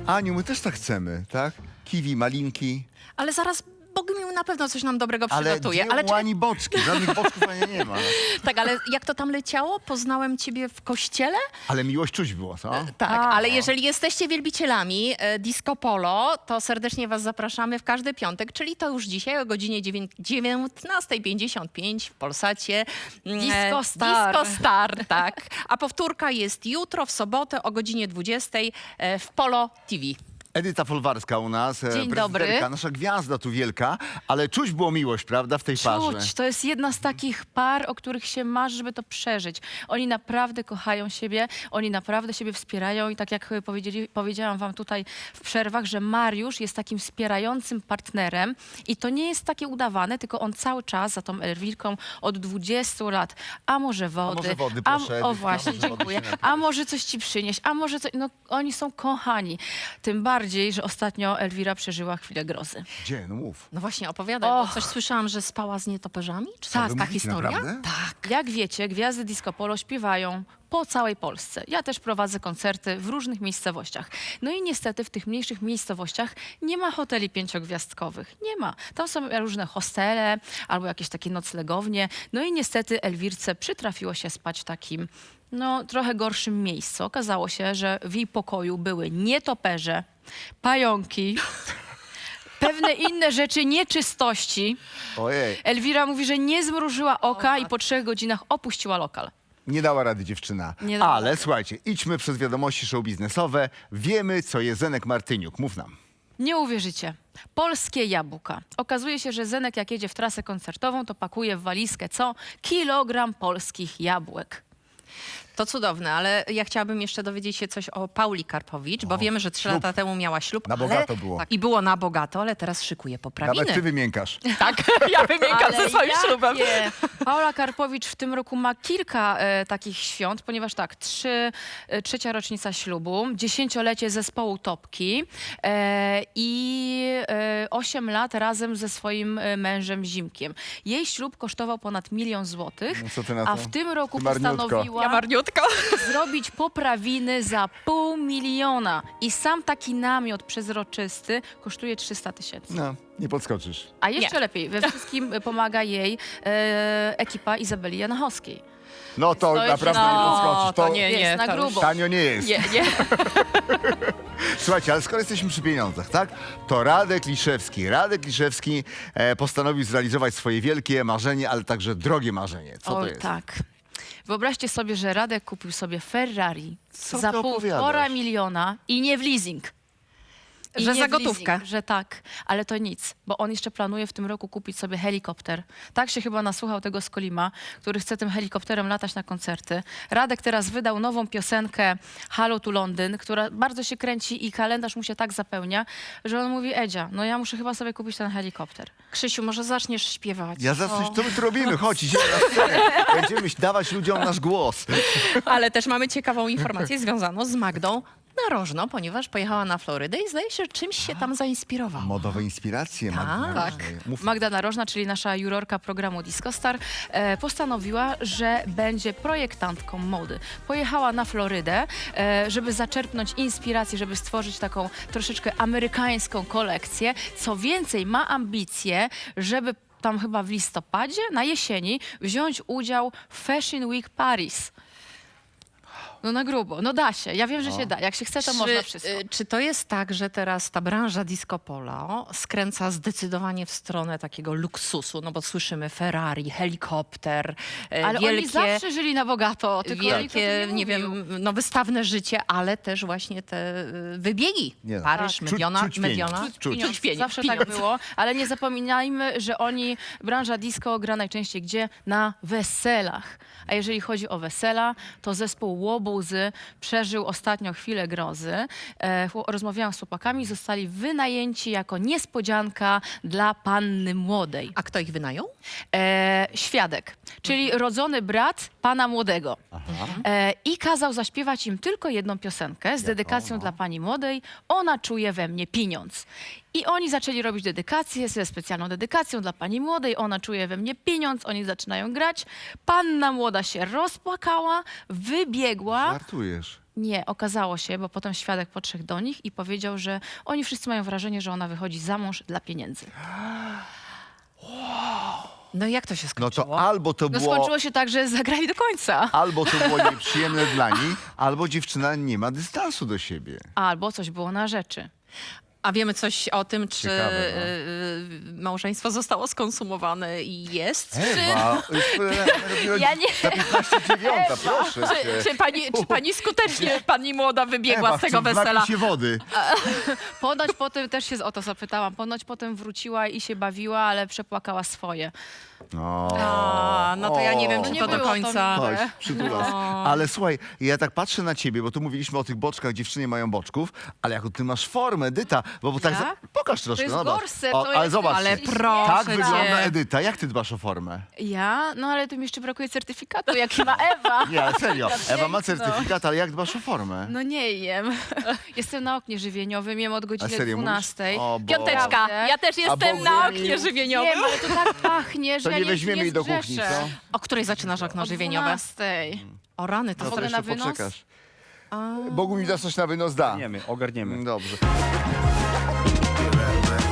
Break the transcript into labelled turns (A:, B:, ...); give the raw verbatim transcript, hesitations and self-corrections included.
A: Aniu, my też tak chcemy, tak? Kiwi, malinki.
B: Ale zaraz Bogumił na pewno coś nam dobrego
A: Ale
B: przygotuje.
A: gdzie
B: Ale
A: u
B: czekaj,
A: Ani boczki? Żadnych boczków Ania nie ma.
B: tak, ale jak to tam leciało? Poznałem ciebie w kościele?
A: Ale miłość czuć było, co?
B: Tak,
C: A,
B: ale
C: no.
B: jeżeli jesteście wielbicielami e, Disco Polo, to serdecznie was zapraszamy w każdy piątek, czyli to już dzisiaj o godzinie dziewiętnasta pięćdziesiąt pięć w Polsacie. Mm,
C: Disco
B: e,
C: Star.
B: Disco Star, tak. A powtórka jest jutro w sobotę o godzinie dwudziestej e, w Polo T V.
A: Edyta Folwarska u nas, e,
C: Dzień dobry.
A: prezydentka, nasza gwiazda tu wielka, ale czuć było miłość, prawda, w tej parze.
C: Czuć, to jest jedna z takich par, o których się marzy, żeby to przeżyć. Oni naprawdę kochają siebie, oni naprawdę siebie wspierają i tak jak powiedzieli, powiedziałam wam tutaj w przerwach, że Mariusz jest takim wspierającym partnerem i to nie jest takie udawane, tylko on cały czas za tą Elwirką od dwudziestu lat, a może wody,
A: może wody,
C: a,
A: proszę,
C: o
A: Edytka,
C: właśnie,
A: może wody
C: dziękuję,
A: się napijesz.
C: a może coś ci przynieść, a może coś, no oni są kochani. Tym bardziej, że ostatnio Elwira przeżyła chwilę grozy.
A: Gdzie? No mów.
B: No właśnie, opowiadaj, bo
C: Och.
B: coś słyszałam, że spała z nietoperzami? Czy to
C: Tak,
B: jest ta
A: mówicie,
B: historia?
A: naprawdę?
B: Tak.
C: Jak wiecie, gwiazdy Disco Polo śpiewają po całej Polsce. Ja też prowadzę koncerty w różnych miejscowościach. No i niestety w tych mniejszych miejscowościach nie ma hoteli pięciogwiazdkowych. Nie ma. Tam są różne hostele albo jakieś takie noclegownie. No i niestety Elwirce przytrafiło się spać w takim no, trochę gorszym miejscu. Okazało się, że w jej pokoju były nietoperze, pająki, pewne inne rzeczy, nieczystości.
A: Ojej,
C: Elwira mówi, że nie zmrużyła oka i po trzech godzinach opuściła lokal.
A: nie dała rady dziewczyna.
C: Nie dała
A: Ale
C: rady.
A: słuchajcie, idźmy przez wiadomości show biznesowe. Wiemy, co jest Zenek Martyniuk. Mów nam.
C: Nie uwierzycie. Polskie jabłka. Okazuje się, że Zenek jak jedzie w trasę koncertową, to pakuje w walizkę co? Kilogram polskich jabłek.
B: To cudowne, ale ja chciałabym jeszcze dowiedzieć się coś o Pauli Karpowicz, bo wiemy, że trzy
A: ślub.
B: lata temu miała ślub.
A: Na
B: ale,
A: bogato było.
B: Tak, i było na bogato, ale teraz szykuje poprawiny.
A: Nawet ty wymiękasz.
B: Tak, ja wymiękam ze swoim
C: jakie?
B: ślubem.
C: Paula Karpowicz w tym roku ma kilka e, takich świąt, ponieważ tak, trzy, e, trzecia rocznica ślubu, dziesięciolecie zespołu Topki e, i e, osiem lat razem ze swoim e, mężem Zimkiem. Jej ślub kosztował ponad milion złotych,
A: No co ty na
C: a
A: to?
C: w tym roku
A: Ty marniutko.
C: postanowiła
B: Ja marniutko.
C: zrobić poprawiny za pół miliona. I sam taki namiot przezroczysty kosztuje trzysta tysięcy.
A: No, nie podskoczysz.
C: A jeszcze
B: Nie.
C: lepiej, we wszystkim pomaga jej e, ekipa Izabeli Janachowskiej.
A: No to
C: To jest-
A: naprawdę
C: no,
A: nie podskoczysz.
B: to nie,
C: Jest na
B: to już-
C: grubo.
A: Tanio nie jest.
C: Nie, nie.
A: Słuchajcie, ale skoro jesteśmy przy pieniądzach, tak? To Radek Liszewski. Radek Liszewski e, postanowił zrealizować swoje wielkie marzenie, ale także drogie marzenie. Co
C: o,
A: to jest?
C: tak. Wyobraźcie sobie, że Radek kupił sobie Ferrari
A: Co
C: za
A: ty
C: półtora
A: opowiadasz?
C: miliona i nie w leasing. I
B: Że
C: nie
B: za
C: w
B: gotówkę.
C: Leasing, że tak, ale to nic, bo on jeszcze planuje w tym roku kupić sobie helikopter. Tak się chyba nasłuchał tego Skolima, który chce tym helikopterem latać na koncerty. Radek teraz wydał nową piosenkę Halo tu Londyn, która bardzo się kręci i kalendarz mu się tak zapełnia, że on mówi, Edzia, no ja muszę chyba sobie kupić ten helikopter.
B: Krzysiu, może zaczniesz śpiewać?
A: Ja zawsze, co my tu robimy? Chodź, idziemy na scenę. Będziemy dawać ludziom nasz głos.
B: Ale też mamy ciekawą informację związaną z Magdą Narożną, ponieważ pojechała na Florydę i zdaje się, że czymś się tam zainspirowała.
A: Modowe inspiracje. Magdy
B: Tak.
A: Narożnej. Mów.
C: Magda Narożna, czyli nasza jurorka programu Disco Star, e, postanowiła, że będzie projektantką mody. Pojechała na Florydę, e, żeby zaczerpnąć inspiracji, żeby stworzyć taką troszeczkę amerykańską kolekcję. Co więcej, ma ambicje, żeby tam chyba w listopadzie, na jesieni, wziąć udział w Fashion Week Paris. No na grubo, no da się. Ja wiem, że się da. Jak się chce, to można wszystko.
B: y, czy to jest tak, że teraz ta branża disco polo skręca zdecydowanie w stronę takiego luksusu? No bo słyszymy Ferrari, helikopter, e,
C: Ale
B: wielkie,
C: oni zawsze żyli na bogato. Tylko nikt o tym
B: wielkie, nie,
C: mówił.
B: wiem, no wystawne życie, ale też właśnie te y, wybiegi.
A: Nie no.
B: Paryż,
A: Tak.
B: Mediona,
A: Czuć- czuć pieniądz.
B: Mediona.
A: Czuć- czuć.
C: Pieniądz.
B: pieniądz.
C: Zawsze
B: Pieniądz.
C: tak było, ale nie zapominajmy, że oni, branża disco gra najczęściej gdzie? Na weselach. A jeżeli chodzi o wesela, to zespół Łobuzy przeżył ostatnio chwilę grozy. E, chło- rozmawiałam z chłopakami, zostali wynajęci jako niespodzianka dla panny młodej.
B: A kto ich wynajął?
C: E, świadek, czyli rodzony brat pana młodego. E, I kazał zaśpiewać im tylko jedną piosenkę z dedykacją
A: no.
C: dla pani młodej. Ona czuje we mnie pieniądz. I oni zaczęli robić dedykację ze specjalną dedykacją dla pani młodej. Ona czuje we mnie pieniądz, oni zaczynają grać. Panna młoda się rozpłakała, wybiegła.
A: Żartujesz.
C: Nie, okazało się, bo potem świadek podszedł do nich i powiedział, że oni wszyscy mają wrażenie, że ona wychodzi za mąż dla pieniędzy.
B: No i jak to się
A: No
B: skończyło?
A: to albo to
C: No
A: było...
C: skończyło się tak, że zagrali do końca.
A: Albo to było nieprzyjemne dla niej, albo dziewczyna nie ma dystansu do siebie.
C: Albo coś było na rzeczy.
B: A wiemy coś o tym, czy
A: Ciekawe, no.
B: y, y, małżeństwo zostało skonsumowane i jest?
A: Ewa,
C: Ja nie-
A: za piętnaście dziewiąta, proszę
B: Czy,
A: cię.
B: czy, pani, czy pani skutecznie, pani młoda, wybiegła
A: Ewa,
B: z tego
A: chcę
B: wesela?
A: napić się wody.
C: Ponoć potem, też się o to zapytałam, ponoć potem wróciła i się bawiła, ale przepłakała swoje.
A: No.
B: A, no to ja nie wiem,
A: O.
B: czy
C: Nie
B: to do
C: było to
B: końca...
C: miłe.
A: Chodź, przytulas. Ale słuchaj, ja tak patrzę na ciebie, bo tu mówiliśmy o tych boczkach, dziewczyny mają boczków, ale jaką ty masz formę, Edyta, bo, bo tak...
C: Ja?
A: Za... Pokaż troszkę,
C: jest
A: no zobacz.
C: gorset,
A: O,
C: to
A: ale
C: jest-
A: zobacz,
B: Ale
C: Ślicznie.
B: proszę
A: tak
B: cię.
A: wygląda Edyta. Jak ty dbasz o formę?
C: Ja? No ale tu mi jeszcze brakuje certyfikatu, jaki ma Ewa.
A: Nie, ale serio, Ewa ma
C: piękno.
A: certyfikat, ale jak dbasz o formę?
C: No nie jem. Jestem na oknie żywieniowym, jem od
A: A
C: godziny
A: serio mówisz?
C: dwunastej.
A: O, bo-
B: Piąteczka, ja też jestem
A: Bogu
B: na
A: mi-
B: oknie żywieniowym.
C: Wiem, ale to tak pachnie, że
A: To
C: ja
A: nie
C: nie
A: weźmiemy
C: nie
A: jej do kuchni,
C: zgrzeszę.
A: co?
B: O której zaczynasz okno
C: O
B: żywieniowe?
C: dwunastej.
B: O rany, to
A: No to
C: ogóle
A: jeszcze
C: na wynos?
A: poczekasz. Bogu mi da coś na wynos da.
D: Ogarniemy, ogarniemy.
A: Dobrze.